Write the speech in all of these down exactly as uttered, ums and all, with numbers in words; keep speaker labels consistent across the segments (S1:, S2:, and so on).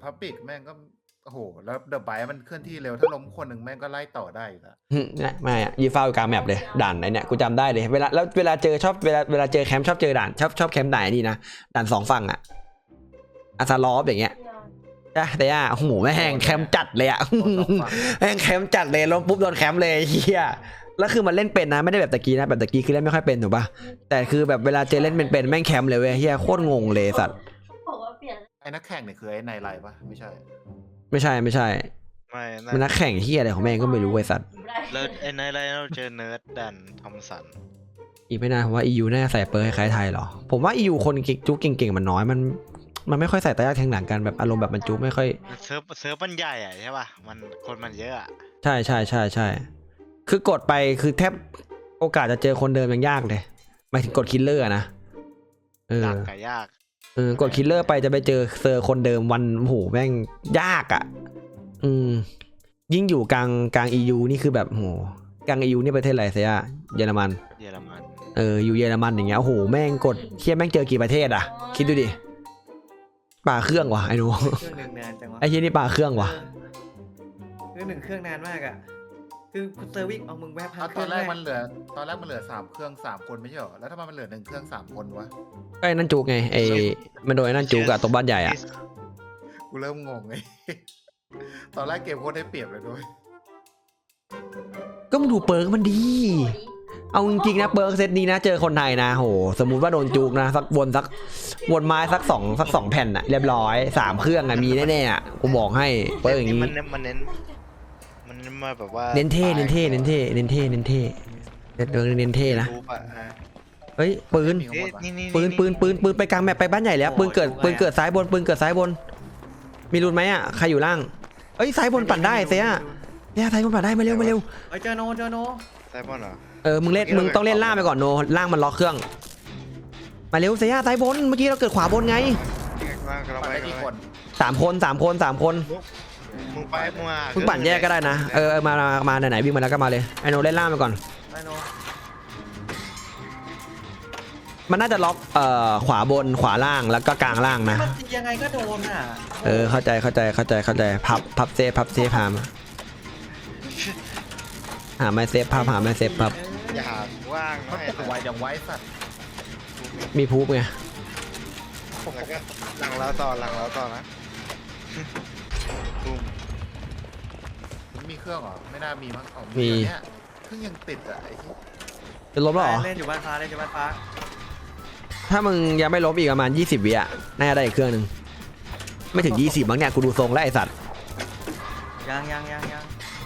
S1: พับบิกแม่งก็โอ้โหแล้วเดอะไบมันเคลื่อนที่เร็วถ้าล้มคนหนึ่งแม่งก็ไล่ต่อได้อยู่แล้ว
S2: เนี่ยไม่อะยืนเฝ้าอยู่กลางแมปเลยด่านไหนเนี่ยกูจำได้เลยเวลาแล้วเวลาเจอชอบเวลาเวลาเจอแคมป์ชอบเจอด่านชอบชอบแคมป์ไหนนี่นะด่านสองฝั่งอะอาซาลอฟอย่างเงี้ยจ้ะแต่อ่ะโอ้โหแม่งแคมป์จัดเลยอะแม่งแคมป์จัดเลยล้มปุ๊บโดนแคมป์เลยเฮียแล้วคือมันเล่นเป็นนะไม่ได้แบบตะกี้นะแบบตะกี้คือเล่นไม่ค่อยเป็นถูกป่ะแต่คือแบบเวลาเจอเล่นเป็นๆแม่งแคมป์เลยเว้ยเฮียโคตรงงเลยสัตว์
S1: ไอ้นักแข่งเนี่ยคือไอ้ไนไลปะไม่ใช่
S2: ไม่ใช่ไม่ใช่
S3: ไม่นะ
S2: มันนักแข่งเฮียอะไรของแม่งก็ไม่รู้ไอ้สัตว์
S3: แล้วไอ้ในไรเราเจอเนิร์ดดันทอมสัน
S2: อีกไม่นานผมว่า อี ยู น่าจะใส่เปอร์คล้ายๆไทยหรอผมว่า อี ยู คนจุกเก่งๆมันน้อยมันมันไม่ค่อยใส่ตายากแทงหลังกันแบบอารมณ์แบบมันจุกไม่ค่อย
S3: เซิร์ฟเซิร์ฟมันใหญ่อะใช่ป่ะมันคนมันเยอะอะ
S2: ใช่ใช่ใช่ใช่คือกดไปคือแทบโอกาสจะเจอคนเดิมยังยากเลยหมายถึงกดคิลเลอร์นะเออ
S3: ดักกับยาก
S2: เออกดคิลเลอร์ไปจะไปเจอเซอร์คนเดิมวันโอ้โหแม่งยากอ่ะอืมยิ่งอยู่กลางกลาง อี ยู นี่คือแบบโหกลาง อี ยู นี่ประเทศอะไรเสียเยอรมัน
S3: เยอรมัน
S2: เอออยู่เยอรมันอย่างเงี้ยโอ้โหแม่งกดเทียแม่งเจอกี่ประเทศอ่ะคิดดูดิป่าเครื่องวะไอ้หนู
S4: เครื่องหนึ่งนานจังวะ
S2: ไอ้เฮียนี่ป่าเครื่องวะ
S4: เครื่องหนึ่งเครื่องนานมากอ่ะคือเซอร์วิสเอามึงแวะพั
S1: เอา
S4: ก
S1: ตอนแรกมันเหลือตอนแรกมันเหลือสามเครื่องสามคนไม่ใช่เหรอแล้วทำไมมันเหลือหนึ่งเครื่องสามคนวะ
S2: ไอ้นั่นจูกไงไอ้มันโดนไอ้นั่นจูกอะตรงบ้านใหญ่อะ
S1: กูเริ่มงงไง ตอนแรกเกมโคตรได้เปรียบเลยด้วย
S2: ก็มึงดูเปิร์กมันดีเอาจริงๆนะเปิร์กเซตนี้นะเจอคนไทยนะโหสมมุติว่าโดนจูกนะสักวนสักวนไม้สักสองสักสองแผ่นอะเรียบร้อยสามเครื่องอะมีแน่ๆอะกูบอกให้เปิร์กอย่าง
S3: นี้
S2: นี้
S3: มันเน้นมันเน้นมันเน้นมาแบบว่า
S2: เน้นเท่เน้นเท่เน้นเท่เน้นเท่เน้นเท่เปิร์กเน้นเท่นะ
S3: รูปอะฮะ
S2: เฮ้ยปืน
S3: เอ๊ะนี่นี่
S2: ปืนปืนปืนปืนไปกลางแมปไปบ้านใหญ่แล้วปืนเกิดปืนเกิดซ้ายบนปืนเกิดซ้ายบน มีรุนไหมอะใครอยู่ล่างเอ้ยซ้ายบนปั่นได้เสียเนี่ยซ้ายบนปั่นได้มาเร็วมาเร็ว
S4: เฮ้ยเจอโนเจอโน
S3: ไซมอนเหรอ
S2: เออมึงเล่นมึงต้องเล่นล่างไปก่อนโนล่างมันล็อกเครื่องมาเร็วเสียซ้ายบนเมื่อกี้เราเกิดขวาบนไง
S3: ว่างกำลัง
S1: ปั่น
S3: ไป
S1: ได้กี่คน
S2: สามคนสามคนสามคน
S3: มึงไปมึงมา
S2: มึงปั่นแยกก็ได้นะเออมามามาไหนๆวิ่งมาแล้วก็มาเลยไอโนเล่นล่างไปก่อน
S4: ไอโน
S2: มันน่าจะล็อกเอ่อขวาบนขวาล่างแล้วก็กลางล่างนะ
S4: มันตียังไงก็โดนอ่ะ
S2: เออเข้าใจเข้าใจเข้าใจเข้าใจพับพับเซฟพับเซฟหามาหาไม้เซฟพับหาไม้เซฟพับ
S3: อย่าว่าง
S1: มัน
S3: ไม่
S1: กดไวอย่างไวสัตว์
S2: มีพูบไง
S3: แล้วก็หลังเราต่อหลังเราต่อนะตุ้ม
S1: มันมีเครื่องเหรอไม่น่ามีมั้งเอา
S2: มี
S1: เนี่ยเครื่องยังติดอ่ะไอ้ที่
S2: จะล้มแล้วเหรอ
S4: เล่นอยู่บ้านฟ้าเล่นอยู่บ้านฟ้า
S2: ถ้ามึงยังไม่ล้มอีกประมาณยี่สิบวิอ่ะน่าจะได้อีกเครื่องหนึ่งไม่ถึงยี่สิบมั้งเนี่ยกูดูทรงแล้วไอสัตว์
S4: ยังยังยังยัง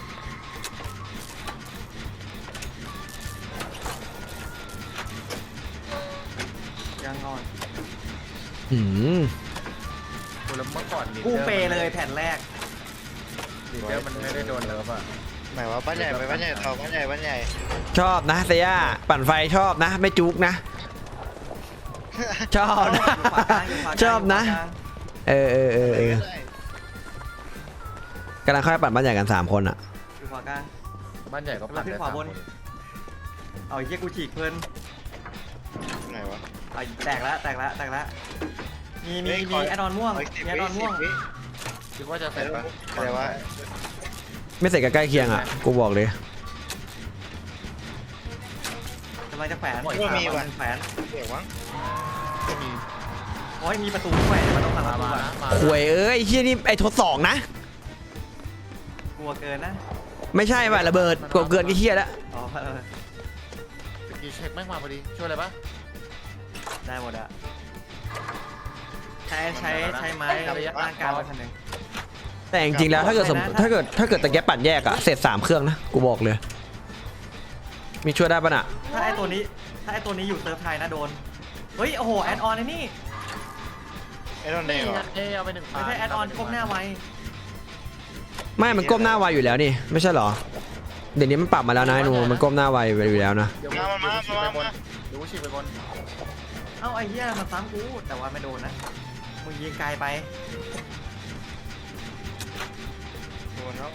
S4: ยังนอน
S2: หืม
S1: กูแล้วเมื่อก่อนลีด
S4: กู
S1: ดอร์
S4: เปเลยแผ่นแรก
S1: ลีดเดอร์มันไม่ได้โดนเลิฟอ่ะ
S3: หมายว่าบ้านใหญ่ไปบ้านใหญ่ต่อบ้านใหญ่บ้านใหญ่
S2: ชอบนะเซียปั่นไฟชอบนะ ไม่จุกนะ ชอบนะ
S4: อยู่ขวากลางอยู่ขวากลาง
S2: ชอบนะ เออเออเออเออ กำลังค่อยปั่นบ้านใหญ่กันสามคนอ่ะ
S4: อยู่ขวากลาง
S1: บ้านใหญ่ก็ปั่น
S4: ขึ้น
S1: ได้
S4: ขวา
S1: สาม
S4: บ
S1: คน น
S4: เอาไอ้เหี้ยกูฉีกเพลิน
S3: ไหนวะ
S4: เอาแตกแล้วแตกแล้วแตกแล้วมีมี
S3: เฮ้ย
S4: มี
S3: ขอ
S4: แอดออนม่วงมีแอดออนม่วง
S1: คิดว่าจะเสร็จปะ
S3: อะไรวะ
S2: ไม่เสร็จกับใกล้เคียงอ่ะ กูบอกเลย
S4: กำลังจะแขวน
S3: ว่ามีว่ะ
S4: แขวน
S3: เดี๋ยววะ
S1: ไม่มี
S4: โอ้ยมีประตูด้วยมันต้องหลังประตู
S1: มา
S4: อะ
S1: มา
S2: หวยเอ้ยไอ้เฮียนี่ไอ้ทดสองนะ
S4: กลัวเกินนะ
S2: ไม่ใช่ป่ะระเบิดกดเกินกี่เฮียแล้ว
S4: อ๋อเออ
S1: ตะกี้เช็คแม่งมาพอดีช่วยอะไรปะ
S4: ได้หมดอะใช้ใช้ใช้ไม้ร่างกายมาคันหนึ่ง
S2: แต่จริงๆแล้วถ้าเกิดสม
S4: นะ
S2: ถ้าเกิดถ้าเกิดตะแกปั่นแยกอะเสร็จสามเครื่องนะ กูบอกเลย มีช่วยได้ป่ะน่ะ
S4: ถ้าไอตัวนี้ ถ้าไอตัวนี้อยู่เซิร์ฟไทยนะโดน เฮ้ย โอ้โห แอดออนไอ้นี่
S3: ไอ้ตอนเด็กเหรอ
S1: เอ้เอาไปหนึ่ง
S4: ไม่ใช่แอดออนก้มหน้าไว
S2: ไม่มันก้มหน้าไวอยู่แล้วนี่ ไม่ใช่เหรอ เดี๋ยวนี้มันปรับมาแล้วนะไอ้หนูมันก้มหน้าไวอยู่แล้วนะ
S1: เดี๋ยว
S3: มามา
S1: ฉีกไป
S3: มา
S1: บน
S3: มา
S1: เดี๋ยวกูฉีกไปบน
S4: เอ้าไอ้เหี้ยมันซ้ำกู แต่ว่าไม่โดนนะ มึงยิงไกลไป
S3: โดนแล้ว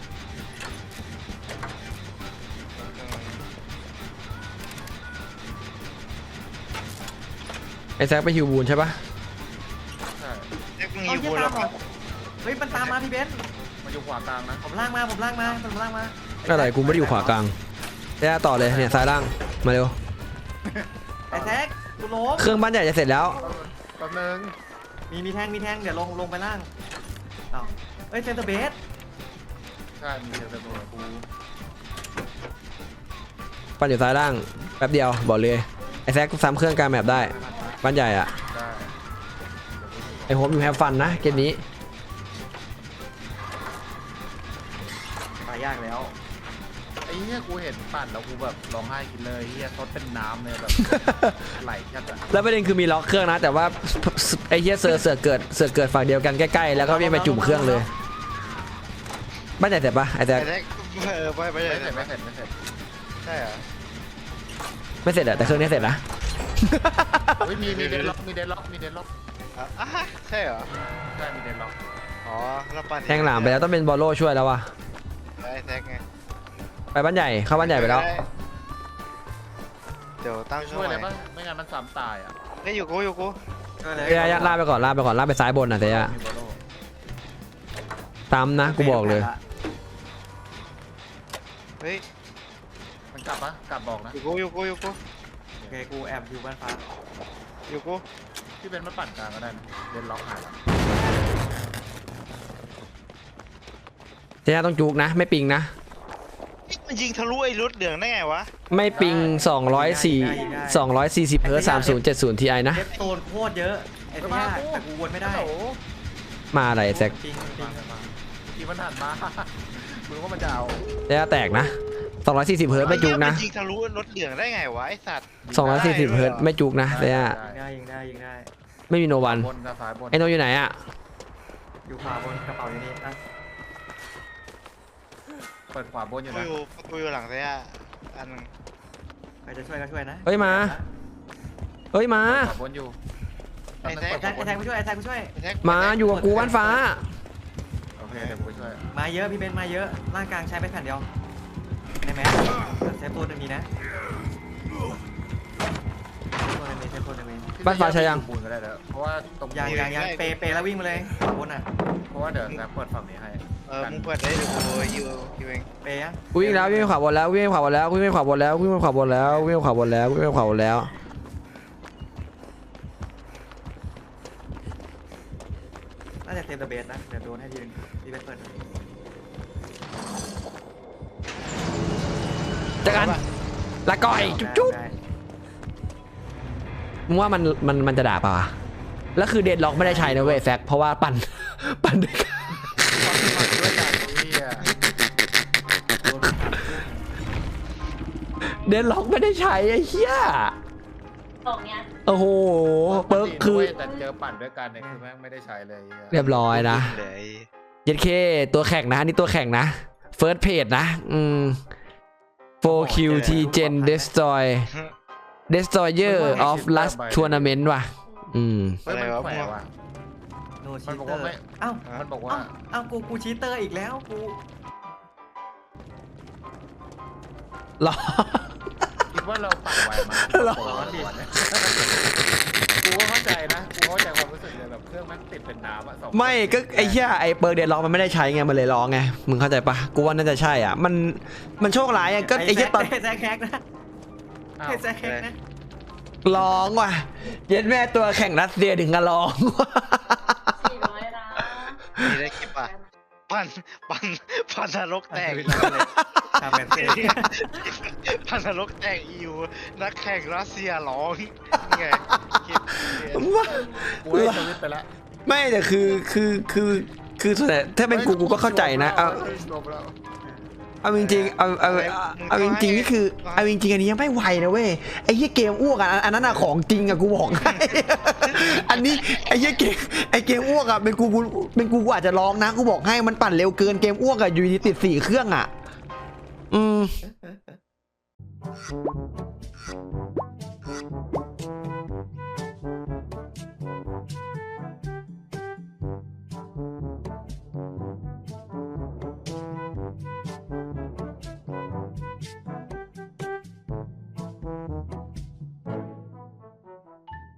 S2: ไอ้แซกไปฮิวบูนใช่ปะ
S1: ใช่
S3: เอ็กซ์มึง
S4: เอา
S3: ยิง
S4: เหี้ย
S3: กู
S4: ตา
S3: แล้
S4: ม
S3: ว
S4: เหรอเฮ้ยมันตามมาพี่เบนซ์
S1: มันอยู่ขวากลางนะ
S4: ผมล่างมาผมล่างมาผมล่างมา
S2: อะไรกูไม่ได้อยู่ขวากลางเดี๋ยวต่อเลยเนี่ยซ้ายล่างมาเร็ว
S4: ไอ้แท็กกูล้ม
S2: เครื่องบ้านใหญ่จะเสร็จแล้ว
S1: แป๊บนึง
S4: มีมีแทงมีแทงเดี๋ยวลงลงไปล่างเอ้าเอ้ยเซนเตอร์เบส
S1: ใช่มีเดียวแต่ตัวกู
S2: ปั้นอยู่ซ้ายล่างแป๊บเดียวบอกเลยไอ้แซกซ้ำเครื่องกลางแมปได้บ้านใหญ่อะ
S1: ได้
S2: ไอ้โฮมอยู่แฮปฟันนะเกมนี้
S4: ตายยากแล้ว
S1: ไอ้เหี้ยกูเห็นปั่นแล้วกูแบบร้องไห้กินเลยเหี้ยทดเป็นน้ำเลยแบบ ไหลแค่แบบ
S2: แล้วประเด็นคือมีล็อกเครื่องนะ แต่ว่าไอ้เฮียเสือเสือเกิดเสือเกิดฝั่งเดียวกันใกล้ๆแล้วก็วิ่งไปจุ่มเครื่องเลยบ้านใหญ่เสร็จปะไอ้แซก
S3: ไอ้แท็กเออไปไป
S1: ไม่
S3: เลย
S1: เสร็จไม่เสร็จไม่เสร็จ
S3: ใช่เหรอ
S2: ไม่เสร็จอะแต่เครื่องนี้เสร็จนะ
S1: เฮ้ยมีมีเดนล็อกมีเดนล็อกมีเดนล็อก
S3: อ่ะอ่ะใช่เหรอ
S1: ใช่มีเดนล็อก
S3: อ๋อแล้วปั่น
S2: แทงหลามไปแล้วต้องเป็นบอลโล่ช่วยแล้ววะ
S3: ไอ้แท็กไง
S2: ไปบ้านใหญ่เข้าบ้านใหญ่ไปแล้ว
S3: เดี๋ยวตั้ง
S1: ช่วยอะไรบ้างไม่งั้นมันซ้ำตายอ่ะ
S3: เฮ้ยอยู่กูอยู่กู
S4: ช่วยเลย
S2: เอ้ยลากไปก่อนลากไปก่อนลากไปซ้ายบนนะเสีย
S1: มีโบโล
S2: ตามนะกูบอกเลย
S3: เฮ้ย
S1: มันกลับปะกลับบอกนะ
S3: อยู่กูอยู่กูอยู่กู
S4: โอเคกูแอบอยู่บ้านฟ้า
S3: อยู่กู
S1: ที่เป็นมาปั่นกลางก็ได้นะเดนล็อกหายละ
S2: เสียต้องจุกนะ ไม่ปิงนะ
S3: มันยิงทะลุไอ้รถเหลืองได้ไงวะ
S2: ไม่ปิงสองร้อยสี่ สองร้อยสี่สิบเฮิร์ตซ์สามศูนย์เจ็ดศูนย์ ที ไอ นะ
S4: เอฟโซนโคตรเยอะไอ้ที่ยากแต่กูวนไม่ได้
S1: โอ้โห
S2: มาอะไรแซก
S4: จริงจริง
S1: กี่มันหันมา มึงว่ามันจะเอา
S2: เสียแตกนะสองร้อยสี่สิบเฮิร์ตซ์ไม่จุกนะ
S3: มันยิงทะลุรถเหลืองได้ไงวะไอ้สัตว์
S2: สองร้อยสี่สิบเฮิร์ตซ์ไม่จุกนะเสีย
S4: ยิงได้ยิงได้ยิงได้
S2: ไม่มีโนวัน
S1: บนกับซ้ายบน
S2: ไอโนอยู่ไหนอะ
S4: อยู่ขวาบนกระเป๋าอยู่นี่นะ
S1: เปิดขวาบนอยู่
S3: กู
S1: นะ
S3: อยู่กูอยู่หลังเสียอันนึง
S4: ใครจะช่วยก็ช่วยนะ
S2: เฮ้ยมาเฮ้ยมา
S1: ขวาบนอยู่
S3: ไอ้แท็ก
S4: ไอ้แทงไอ้แทงไปช่วยไอ้แทงไปช่วย
S3: ไอ้แท็ก
S2: มาอยู่กับกูบ้านฟ้า
S1: โอเคเดี๋ยวกูไปช่วย
S4: มาเยอะพี่เบนซ์มาเยอะร่างกลางใช้ไปแผ่นเดียวในแมสเซฟตัวหนึงมีนะตัวหนึงมีเซฟตัวหนึงมี
S2: บ้านฟ้าใช้ยัง
S1: บูนก็ได้แล้วเพราะว่าตรง
S4: ยางยางยางเปเปแล้ววิ่งมาเลยขวาบนอ่ะ
S1: เพราะว่าเดี๋ยวแซกเปิดฝั่งนี้ให้
S3: เออมึงเปิดได้เดี๋ยวกูยิวยิวเอง
S4: เปยัง
S2: กูวิ่งแล้ววิ่งไปขวาบนแล้ววิ่งไปขวาบนแล้ววิ่งไปขวาบนแล้ววิ่งไปขวาบนแล้ววิ่งไปขวาบนแล้ววิ่งไปขวาบนแล้ว
S4: น่าจะเซฟเดอะเบสนะเดี๋ยวโดนให้ยืนพี่เบนซ์เปิด
S2: เจอกันละก่อยจุ๊บจุ๊บ
S4: ได้
S2: มึงว่ามันมันมันจะด่าป่าวะแล้วคือเดดล็อกไม่ได้ใช้นะเว้ยแซกเพราะว่าปั่น ปั่นด้วยกัน
S1: ด้วยกันเฮีย
S2: เดดล็อกไม่ได้ใช้ไอ้เหี้ย
S5: ส่งเนี้ย
S2: โอ้โหเปิร์กคือ
S1: แต่เจอปั่นด้วยกันเนี่ยคือแม่งไม่ได้ใช้เลยเหี้ย
S2: เรียบร้อยนะ
S3: เลย
S2: เย็ดเคตัวแข่งนะนี่ตัวแข่งนะเฟิร์สเพจนะอืม โฟร์ คิว ที Gen Destroy Destroyer of Last Tournament ว่ะอืม
S1: เฮ้ยมันแขวะว่ะ
S4: โน
S1: มั
S4: ชี
S1: นบอก
S4: เตอ
S1: ว่า
S4: ร์
S1: ไม่
S4: เอ้า
S1: มันบอกว่า
S4: เอ้าเอ้ากูกูชีเตอร์อีกแล้วกู
S2: หรอ
S1: คิดว่าเราปั่นไหวไหม
S2: หรอ
S1: โอ้โดิกูก็เข้าใจนะกูเข้าใจความรู้สึกเลยแบบเครื่องแม่งติดเป็นน้ำอะสอง
S2: ไม่ก็ไอ้เหี้ยไอ้เปิร์กเดดล็อกมันไม่ได้ใช้ไงมันเลยร้องไงมึงเข้าใจปะกูว่าน่าจะใช่อ่ะมันมันโชคร้ายอ่ะก็ไอ้เหี้ยตอน
S4: ไอ้แซกแฮกนะ
S1: อ้าว
S4: ไอ้แซกแฮกนะ
S2: ร้องว่ะเย็ดแม่ตัวแข่งรัสเซียถึงกับร้องว่ะ
S5: สี่ร้อยล้าน
S3: มีได้คลิปป่ะปั่นปั่นปั่นนรกแตก
S4: ทำแบบเซ่
S3: ปั่นนรกแตกอียูนักแข่งรัสเซียร้องนี่ไงคลิปเนี่ย
S2: ว่า
S1: กูให้สวิตช์ไปแล้ว
S2: ไม่แต่คือคือคือคือส่วนใหญ่ถ้าเป็นกูกูก็เข้าใจนะเอา
S1: จบแล้ว
S2: เอาจริงๆเอาเอาเอาเอาจริงๆนี่คือเอาจริงๆอันนี้ยังไม่ไหวนะเว้ยไอ้เหี้ยเกมอ้วกอ่ะอันนั้นอ่ะของจริงอ่ะกูบอกให้ อันนี้ไอ้เหี้ยเกมไอ้เกมอ้วกอ่ะเป็นกูกูเป็นกูกูอาจจะร้องนะกูบอกให้มันปั่นเร็วเกินเกมอ้วกอ่ะอยู่ดีติดสี่เครื่องอ่ะอืม